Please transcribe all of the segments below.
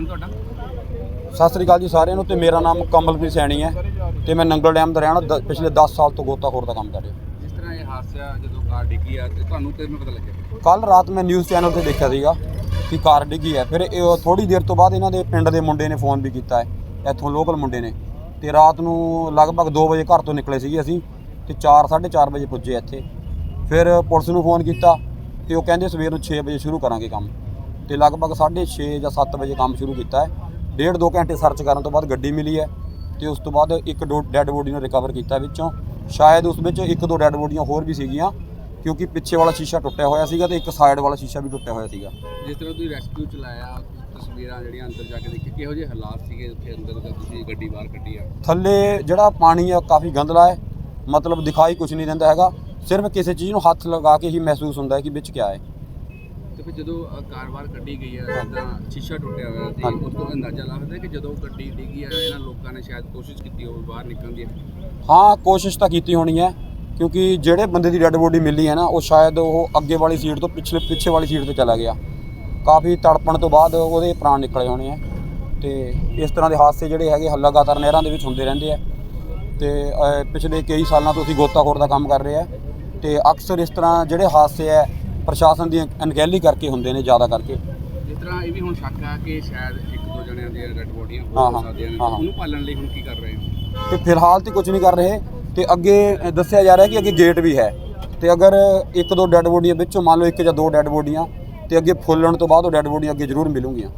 ਤੁਹਾਡਾ? ਸਤਿ ਸ੍ਰੀ ਅਕਾਲ ਜੀ ਸਾਰਿਆਂ ਨੂੰ। ਤੇ ਮੇਰਾ ਨਾਮ ਕਮਲਪ੍ਰੀਤ ਸੈਣੀ ਹੈ ਤੇ ਮੈਂ ਨੰਗਲ ਡੈਮ ਦਾ ਰਹਿਣਾ ਪਿਛਲੇ 10 ਸਾਲ ਤੋਂ ਗੋਤਾਖੋਰ ਦਾ ਕੰਮ ਕਰ ਰਿਹਾ। ਜਿਸ ਤਰ੍ਹਾਂ ਇਹ ਹਾਦਸਾ ਜਦੋਂ ਕਾਰ ਡਿੱਗੀ ਆ ਤੇ ਤੁਹਾਨੂੰ ਕਿਵੇਂ ਪਤਾ ਲੱਗਿਆ? ਕੱਲ ਰਾਤ ਮੈਂ ਨਿਊਜ਼ ਚੈਨਲ ਤੇ ਦੇਖਿਆ ਸੀਗਾ ਕਿ ਕਾਰ ਡਿੱਗੀ ਹੈ। ਫਿਰ ਇਹ ਥੋੜੀ ਦੇਰ ਤੋਂ ਬਾਅਦ ਇਹਨਾਂ ਦੇ ਪਿੰਡ ਦੇ ਮੁੰਡੇ ਨੇ ਫੋਨ ਵੀ ਕੀਤਾ ਹੈ, ਇੱਥੋਂ ਲੋਕਲ ਮੁੰਡੇ ਨੇ। ਤੇ ਰਾਤ ਨੂੰ ਲਗਭਗ 2 ਵਜੇ ਘਰ ਤੋਂ ਨਿਕਲੇ ਸੀਗੇ ਅਸੀਂ ਤੇ 4-4:30 ਵਜੇ ਪੁੱਜੇ ਇੱਥੇ। ਫਿਰ ਪੁਲਿਸ ਨੂੰ ਫੋਨ ਕੀਤਾ ਤੇ ਉਹ ਕਹਿੰਦੇ ਸਵੇਰ ਨੂੰ 6 ਵਜੇ ਸ਼ੁਰੂ ਕਰਾਂਗੇ ਕੰਮ। ਤੇ ਲਗਭਗ 6:30 ਜਾਂ 7 ਵਜੇ ਕੰਮ ਸ਼ੁਰੂ ਕੀਤਾ ਹੈ। 1.5-2 ਘੰਟੇ ਸਰਚ ਕਰਨ ਤੋਂ ਬਾਅਦ ਗੱਡੀ ਮਿਲੀ ਹੈ ਤੇ ਉਸ ਤੋਂ ਬਾਅਦ ਇੱਕ ਡੈੱਡ ਬੋਡੀ ਨੂੰ ਰਿਕਵਰ ਕੀਤਾ ਵਿੱਚੋਂ। ਸ਼ਾਇਦ ਉਸ ਵਿੱਚ 1-2 ਡੈੱਡ ਬੋਡੀਆਂ ਹੋਰ ਵੀ ਸੀਗੀਆਂ ਕਿਉਂਕਿ ਪਿੱਛੇ ਵਾਲਾ ਸ਼ੀਸ਼ਾ ਟੁੱਟਿਆ ਹੋਇਆ ਸੀਗਾ ਤੇ ਇੱਕ ਸਾਈਡ ਵਾਲਾ ਸ਼ੀਸ਼ਾ ਵੀ ਟੁੱਟਿਆ ਹੋਇਆ ਸੀਗਾ। ਜਿਸ ਤਰ੍ਹਾਂ ਤੁਸੀਂ ਰੈਸਕਿਊ ਚਲਾਇਆ, ਤਸਵੀਰਾਂ ਜਿਹੜੀਆਂ ਅੰਦਰ ਜਾ ਕੇ ਦੇਖੀ, ਕਿਹੋ ਜਿਹੇ ਹਾਲਾਤ ਸੀਗੇ ਉੱਥੇ ਅੰਦਰ ਜਦੋਂ ਤੁਸੀਂ ਗੱਡੀ ਬਾਹਰ ਕੱਢੀ ਆ? ਥੱਲੇ ਜਿਹੜਾ ਪਾਣੀ ਆ ਕਾਫੀ ਗੰਦਲਾ ਹੈ, ਮਤਲਬ ਦਿਖਾਈ ਕੁਝ ਨਹੀਂ ਦਿੰਦਾ ਹੈਗਾ। ਸਿਰਫ ਕਿਸੇ ਚੀਜ਼ ਨੂੰ ਹੱਥ ਲਗਾ ਕੇ ਹੀ ਮਹਿਸੂਸ ਹੁੰਦਾ ਹੈ ਕਿ ਵਿੱਚ ਕਿਆ ਹੈ। ਤੇ ਫਿਰ ਜਦੋਂ ਕਾਰ ਬਾਹਰ ਕੱਢੀ ਗਈ ਆ ਤਾਂ ਸ਼ੀਸ਼ਾ ਟੁੱਟਿਆ ਹੋਇਆ ਤੇ ਉਸ ਤੋਂ ਅੰਦਾਜ਼ਾ ਲੱਗਦਾ ਕਿ ਜਦੋਂ ਗੱਡੀ ਡਿੱਗੀ ਆ ਇਹਨਾਂ ਲੋਕਾਂ ਨੇ ਸ਼ਾਇਦ ਕੋਸ਼ਿਸ਼ ਕੀਤੀ ਹੋਵੇ ਬਾਹਰ ਨਿਕਲਣ ਦੀ। ਹਾਂ, ਕੋਸ਼ਿਸ਼ ਤਾਂ ਕੀਤੀ ਹੋਣੀ ਹੈ ਕਿਉਂਕਿ ਜਿਹੜੇ ਬੰਦੇ ਦੀ ਡੈੱਡ ਬੋਡੀ ਮਿਲੀ ਹੈ ਨਾ ਉਹ ਸ਼ਾਇਦ ਉਹ ਅੱਗੇ ਵਾਲੀ ਸੀਟ ਤੋਂ ਪਿੱਛੇ ਵਾਲੀ ਸੀਟ 'ਤੇ ਚਲਾ ਗਿਆ। ਕਾਫੀ ਤੜਪਣ ਤੋਂ ਬਾਅਦ ਉਹਦੇ ਪ੍ਰਾਣ ਨਿਕਲੇ ਹੋਣੇ ਆ। ਤੇ ਇਸ ਤਰ੍ਹਾਂ ਦੇ ਹਾਦਸੇ ਜਿਹੜੇ ਹੈਗੇ ਲਗਾਤਾਰ ਨਹਿਰਾਂ ਦੇ ਵਿੱਚ ਹੁੰਦੇ ਰਹਿੰਦੇ ਆ। ਤੇ ਪਿਛਲੇ ਕਈ ਸਾਲਾਂ ਤੋਂ ਅਸੀਂ ਗੋਤਾਖੋਰ ਦਾ ਕੰਮ ਕਰ ਰਹੇ ਆ ਤੇ ਅਕਸਰ ਇਸ ਤਰ੍ਹਾਂ ਜਿਹੜੇ ਹਾਦਸੇ ਹੈ ਪ੍ਰਸ਼ਾਸਨ ਦੀ ਅਣਗਹਿਲੀ ਕਰਕੇ ਹੁੰਦੇ ਨੇ ਜ਼ਿਆਦਾ ਕਰਕੇ। ਜਿਸ ਤਰ੍ਹਾਂ ਇਹ ਵੀ ਹੁਣ ਸ਼ੱਕ ਆ ਕਿ ਸ਼ਾਇਦ 1-2 ਜਣਿਆਂ ਦੀਆਂ ਡੈਡ ਬੋਡੀਆਂ ਹੋ ਸਕਦੀਆਂ ਨੇ, ਉਹਨੂੰ ਪਾਲਣ ਲਈ ਹੁਣ ਕੀ ਕਰ ਰਹੇ ਹੋ? ਤੇ ਫਿਲਹਾਲ ਤਾਂ ਕੁਝ ਨਹੀਂ ਕਰ ਰਹੇ ਤੇ ਅੱਗੇ ਦੱਸਿਆ ਜਾ ਰਿਹਾ ਕਿ ਅੱਗੇ ਗੇਟ ਵੀ ਹੈ ਤੇ ਅਗਰ 1-2 ਡੈੱਡ ਬੋਡੀਆਂ ਵਿੱਚੋਂ ਮੰਨ ਲਓ 1 ਜਾਂ 2 ਡੈੱਡ ਬੋਡੀਆਂ ਤੇ ਅੱਗੇ ਫੁੱਲਣ ਤੋਂ ਬਾਅਦ ਉਹ ਡੈੱਡ ਬੋਡੀਆਂ ਅੱਗੇ ਜ਼ਰੂਰ ਮਿਲੂਗੀਆਂ।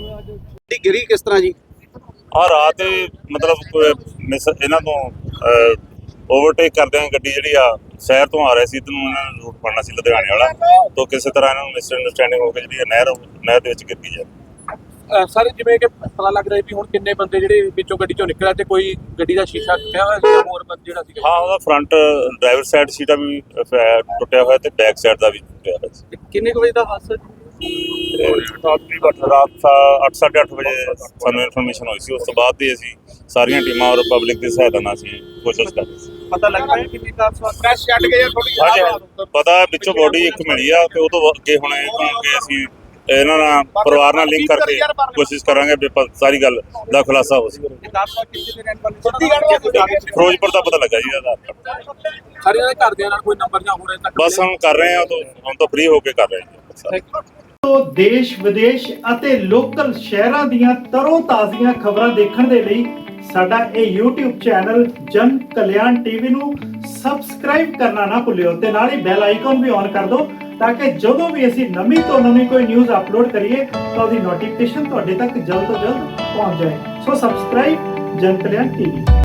ਗਿਰੀ ਕਿਸ ਤਰ੍ਹਾਂ ਜੀ? ਰਾਤ ਮਤਲਬ ਇਹਨਾਂ ਤੋਂ ਓਵਰਟੇਕ ਕਰਦੇ ਆ ਗੱਡੀ ਜਿਹੜੀ ਆ ਸ਼ਹਿਰ ਤੋਂ ਆ ਰਹੀ ਸੀ ਤੇ ਇਹਨਾਂ ਨੇ ਰੂਟ ਫੜਨਾ ਸੀ ਲੁਧਿਆਣੇ ਵਾਲਾ। ਤੋਂ ਕਿਸੇ ਤਰ੍ਹਾਂ ਇਹਨਾਂ ਨੂੰ ਮਿਸ ਅੰਡਰਸਟੈਂਡਿੰਗ ਹੋ ਕੇ ਜਿਹੜੀ ਨਹਿਰ ਦੇ ਵਿੱਚ ਗਿਰ ਗਈ ਹੈ। ਸਰ ਜਿਵੇਂ ਕਿ ਪਤਾ ਲੱਗ ਰਿਹਾ ਵੀ ਹੁਣ ਕਿੰਨੇ ਬੰਦੇ ਜਿਹੜੇ ਵਿੱਚੋਂ ਗੱਡੀ ਚੋਂ ਨਿਕਲਿਆ ਤੇ ਕੋਈ ਗੱਡੀ ਦਾ ਸ਼ੀਸ਼ਾ ਟੁੱਟਿਆ ਹੋਇਆ ਸੀ ਹੋਰ ਜਿਹੜਾ ਸੀ? ਹਾਂ, ਉਹਦਾ ਫਰੰਟ ਡਰਾਈਵਰ ਸਾਈਡ ਸੀਟਾ ਵੀ ਟੁੱਟਿਆ ਹੋਇਆ ਤੇ ਬੈਕ ਸਾਈਡ ਦਾ ਵੀ ਟੁੱਟਿਆ ਹੋਇਆ ਸੀ। ਕਿੰਨੇ ਕੁ ਵਜੇ ਦਾ ਹਾਦਸਾ? ਰਾਤ 8-8:30 ਵਜੇ ਸਾਨੂੰ ਇਨਫੋਰਮੇਸ਼ਨ ਹੋਈ ਸੀ। ਉਸ ਤੋਂ ਬਾਅਦ ਦੀ ਅਸੀਂ ਸਾਰੀਆਂ ਟੀਮਾਂ ਔਰ ਪਬਲਿਕ ਦੀ ਸਹਾਇਤਾ ਨਾਲ ਅਸੀਂ ਕੋਸ਼ਿਸ਼ ਕਰ ਰਹੇ ਸੀ। ਪਤਾ ਲੱਗ ਰਿਹਾ ਕਿੰਨੀ ਕਾਰ ਕ੍ਰੈਸ਼ ਛੱਡ ਗਏ ਜਾਂ ਥੋੜੀ? ਪਤਾ ਵਿੱਚੋਂ ਬੋਡੀ ਇੱਕ ਮਿਲੀ ਆ ਤੇ ਉਹ ਤੋਂ ਅੱਗੇ ਹੁਣ ਅਸੀਂ ਇਹਨਾਂ ਨਾਲ ਪਰਿਵਾਰ ਨਾਲ ਲਿੰਕ ਕਰਕੇ ਕੋਸ਼ਿਸ਼ ਕਰਾਂਗੇ ਵੀ ਸਾਰੀ ਗੱਲ ਦਾ ਖੁਲਾਸਾ ਹੋ ਸਕੇ। ਫਿਰੋਜ਼ਪੁਰ ਦਾ ਪਤਾ ਲੱਗਾ ਜੀ ਇਹਦਾ। ਸਾਰੇ ਦੇ ਘਰਦਿਆਂ ਨਾਲ ਕੋਈ ਨੰਬਰ ਜਾਂ ਹੋਰ ਤੱਕ ਬਸ ਹੁਣ ਕਰ ਰਹੇ ਹਾਂ ਹੁਣ ਤਾਂ ਫ੍ਰੀ ਹੋ ਕੇ ਕਰ ਰਹੇ ਹਾਂ। ਤੋਂ ਦੇਸ਼ ਵਿਦੇਸ਼ ਅਤੇ ਲੋਕਲ ਸ਼ਹਿਰਾਂ ਦੀਆਂ ਤਰੋ ਤਾਜ਼ੀਆਂ ਖਬਰਾਂ ਦੇਖਣ ਦੇ ਲਈ ਸਾਡਾ ਇਹ YouTube ਚੈਨਲ ਜਨ ਕਲਿਆਣ ਟੀਵੀ ਨੂੰ ਸਬਸਕ੍ਰਾਈਬ ਕਰਨਾ ਨਾ ਭੁੱਲਿਓ ਤੇ ਨਾਲ ਹੀ ਬੈਲ ਆਈਕਨ ਵੀ ਔਨ ਕਰ ਦਿਓ ਤਾਂ ਕਿ ਜਦੋਂ ਵੀ ਅਸੀਂ ਨਵੀਂ ਤੋਂ ਨਵੀਂ ਕੋਈ ਨਿਊਜ਼ ਅਪਲੋਡ ਕਰੀਏ ਤਾਂ ਉਹਦੀ ਨੋਟੀਫਿਕੇਸ਼ਨ ਤੁਹਾਡੇ ਤੱਕ ਜਲਦ ਤੋਂ ਜਲਦ ਪਹੁੰਚ ਜਾਏ। ਸੋ ਸਬਸਕ੍ਰਾਈਬ ਜਨ ਕਲਿਆਣ ਟੀਵੀ।